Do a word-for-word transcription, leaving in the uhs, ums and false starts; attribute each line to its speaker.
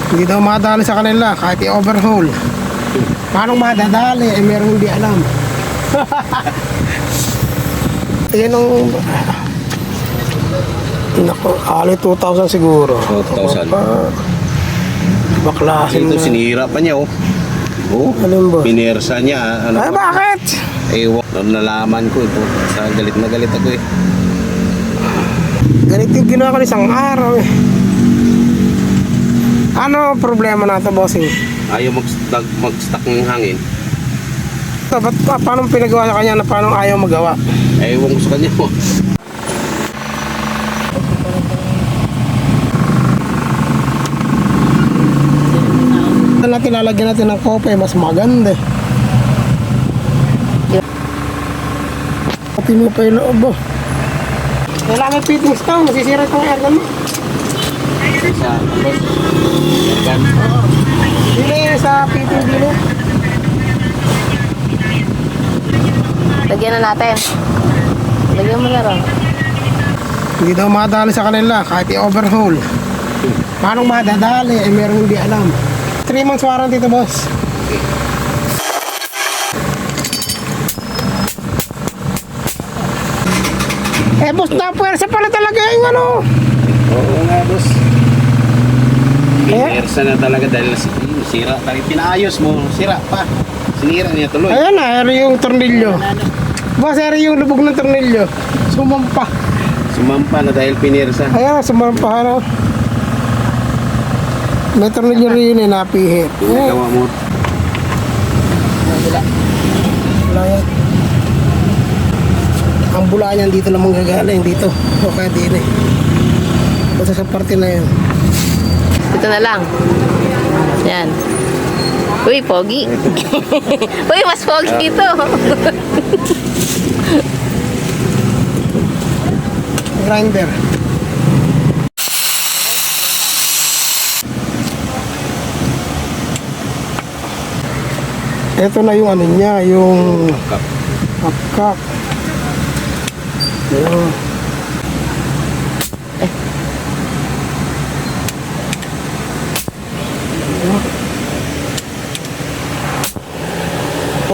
Speaker 1: Hindi daw madali sa kanila kahit i-overhaul. Paano madadali? Eh meron hindi alam. Yan ang... Naku, ali two thousand siguro.
Speaker 2: two thousand.
Speaker 1: Baklasin
Speaker 2: Ito,
Speaker 1: na.
Speaker 2: sinira pa niya, oh. Oh,
Speaker 1: Alin ba?
Speaker 2: pinersa niya. Ano
Speaker 1: Ay,
Speaker 2: pa?
Speaker 1: bakit?
Speaker 2: Ewan, nalaman ko ito. Sa galit na galit ako eh.
Speaker 1: Ganito yung ginawa ko isang araw eh. Ano problema natin, bossing?
Speaker 2: Ayaw mag-stuck, mag-stuck ng hangin.
Speaker 1: Ba't pa, paano pinagawa sa kanya na paano ayaw magawa?
Speaker 2: Ewan ko sa kanya mo.
Speaker 1: Natin lalagyan natin ng kope, mas maganda eh. Pati mo pa yung loob oh. Wala may fittings to, masisira itong airgun mo.
Speaker 2: Sa, yan.
Speaker 1: Hindi sa fitting dito.
Speaker 3: Lagyan na natin. Lagyan mo na rin.
Speaker 1: Hindi daw madali sa kanila kahit i-overhaul. Paano madadali? Eh meron hindi alam. three months warranty to, boss. Eh boss, napuwersa pala talaga yung ano.
Speaker 2: Oo nga, boss.
Speaker 1: Eh?
Speaker 2: Pinersa na talaga dahil sira. Dahil pinaayos mo, sira pa. Sinira niya tuloy.
Speaker 1: Ayan na, eri yung tornilyo. Boss, eri yung lubog ng tornilyo. Sumampa.
Speaker 2: Sumampa na dahil pinersa.
Speaker 1: Ayan, sumampa ano. May tornilyo rin eh, napihit. Eh,
Speaker 2: Gawa mo.
Speaker 1: wala yan. Ang bula niyan dito lang manggagaling dito. O kaya din eh. Basta sa parte na yan.
Speaker 3: Ito na lang. Yan. Uy, pogi. Uy, mas pogi ito.
Speaker 1: Grinder. Ito na yung ano niya, yung
Speaker 2: Kap.
Speaker 1: kapkap. Ayan.